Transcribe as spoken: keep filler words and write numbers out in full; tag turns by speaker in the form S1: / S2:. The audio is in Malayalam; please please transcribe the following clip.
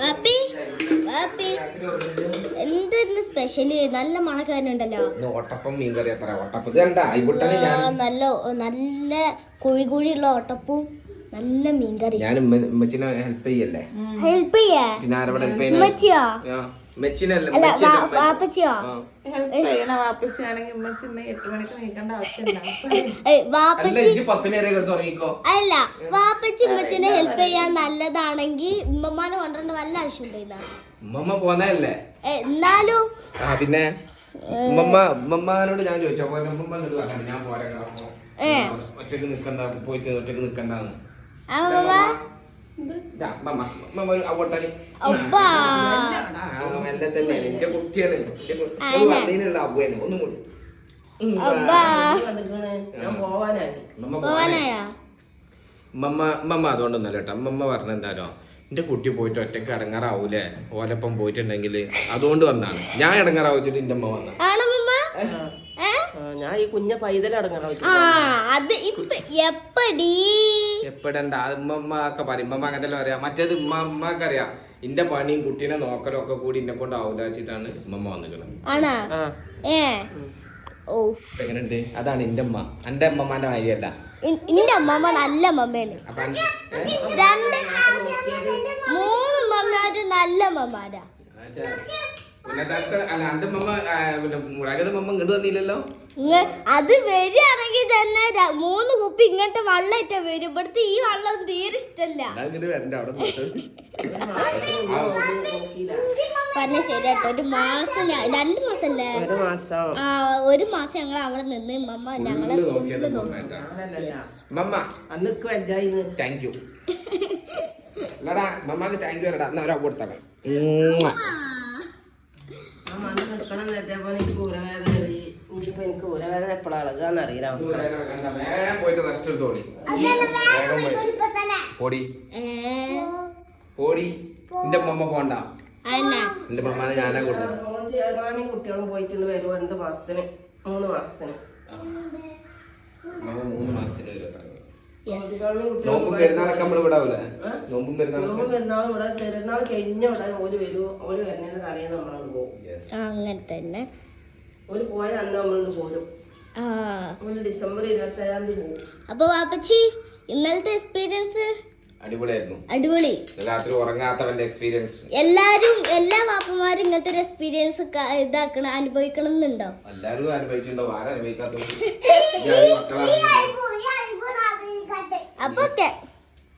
S1: എന്തായിരുന്നു സ്പെഷ്യല്? നല്ല മണക്കാരനുണ്ടല്ലോ.
S2: ഓട്ടപ്പം മീൻകറി അത്ര ഓട്ടപ്പം
S1: നല്ല നല്ല കുഴി കുഴിയുള്ള ഓട്ടപ്പും നല്ല മീൻകറി.
S2: ഞാൻ ഉമ്മച്ചിനെ ഹെൽപ്പ് ചെയ്യല്ലേ?
S1: ഹെൽപ്പ് ചെയ്യാ
S2: പിന്നെ ആരോടെ ഹെൽപ്പ്
S1: ഉമ്മച്ചിയോ?
S2: മെച്ചിനല്ല
S1: വാപ്പച്ചിയോ? അല്ല, വാപ്പച്ചി ഉമ്മച്ചിനെ ഹെൽപ്പ് ചെയ്യാൻ നല്ലതാണെങ്കിൽ ഉമ്മമാനെ കൊണ്ടുവരേണ്ട വല്ല ആവശ്യം ഉണ്ടായില്ല.
S2: ഉമ്മമ്മ പോന്നല്ലേ
S1: എന്നാലും
S2: പിന്നെ ഉമ്മമ്മ ഉമ്മമ്മനോട് ഞാൻ ചോദിച്ചോ ഉമ്മമ്മ ഞാൻ പോരാ ഒറ്റക്ക് നിക്കണ്ട പോയിട്ട് ഒറ്റക്ക് നിക്കണ്ടെന്ന്. എന്റെ കുട്ടിയാണ് വന്നതിനുള്ള അവ്വയാണ് ഒന്നും കൂടി ഉമ്മമ്മ അതുകൊണ്ടൊന്നല്ല കേട്ടോ. ഉമ്മമ്മ പറഞ്ഞ എന്തായാലും എന്റെ കുട്ടി പോയിട്ട് ഒറ്റക്ക് ഇടങ്ങാറാവൂലേ ഓലപ്പം പോയിട്ടുണ്ടെങ്കിൽ അതുകൊണ്ട് വന്നാണ്. ഞാൻ ഇടങ്ങാറാവിച്ചിട്ട് എന്റെ അമ്മ വന്ന
S3: ഞാൻ ഈ കുഞ്ഞ പൈതലടങ്ങാ
S2: എപ്പടണ്ട ഉമ്മമ്മ ഒക്കെ പറയും. ഉമ്മമ്മ അങ്ങനത്തെ അറിയാം. മറ്റേത് ഉമ്മ ഉമ്മക്ക് അറിയാം എന്റെ പണിയും കുട്ടീനെ നോക്കലും ഒക്കെ കൂടി എന്നെ കൊണ്ട് ആവൂല വെച്ചിട്ടാണ് ഉമ്മമ്മ വന്നിക്കണത്. എങ്ങനെയുണ്ട്? അതാണ് എന്റെ അമ്മ. എന്റെ അമ്മമാന്റെ കാര്യല്ല.
S1: എന്റെ അമ്മമ്മ നല്ല അമ്മമ്മയാണ്. മൂന്ന് അമ്മമാര് നല്ല അമ്മമാരാ. അത് വരികയാണെങ്കിൽ തന്നെ മൂന്ന് കുപ്പി ഇങ്ങനത്തെ വെള്ളമായിട്ട വരും. ഇവിടുത്തെ ഈ വെള്ളം തീരെ ഇഷ്ടല്ല. പറഞ്ഞ ശരിയാട്ടോ. ഒരു മാസം രണ്ടു മാസം അല്ലേ? ആ ഒരു മാസം ഞങ്ങൾ അവിടെ നിന്ന് മമ്മ ഞങ്ങളെ
S2: പോണ്ട എന്റെ മമ്മാനെ ഞാനാ കൊടുത്തത്.
S3: കുട്ടികളും പോയിട്ടുണ്ട് വരും രണ്ട് മാസത്തിന് മൂന്ന് മാസത്തിന്
S2: മൂന്ന് മാസത്തിന് നോമ്പും പെരുന്നാളൊക്കെ നമ്മള് വിടാവൂലേ? നോമ്പും പെരുന്നാളും
S3: ഇവിടെ പെരുന്നാൾ കഴിഞ്ഞ വിടാൻ ഓര് വരും. ഓര് വരുന്നതിന്റെ തലേന്ന് നമ്മളോട് പോകും.
S1: അങ്ങനെ തന്നെ
S3: ഓര് പോയ അന്ന് നമ്മളോട് പോരും. ഡിസംബർ ഇരുപത്തി ഏഴാം തീയതി പോകും.
S1: അപ്പൊ വാപ്പച്ചി ഇന്നലത്തെ എക്സ്പീരിയൻസ്
S2: അടിപൊളിയായിരുന്നു.
S1: അടിപൊളി.
S2: രാത്രി ഉറങ്ങാത്തവന്റെ എക്സ്പീരിയൻസ്.
S1: എല്ലാരും എല്ലാ വാപ്പമാരും ഇങ്ങനത്തെ ഒരു എക്സ്പീരിയൻസ് ഇതാക്കണം അനുഭവിക്കണം എന്നുണ്ടോ?
S2: എല്ലാരും അനുഭവിച്ചിട്ടുണ്ടോ? ആരും അനുഭവിക്കാത്ത
S1: അപ്പൊ ഓക്കെ.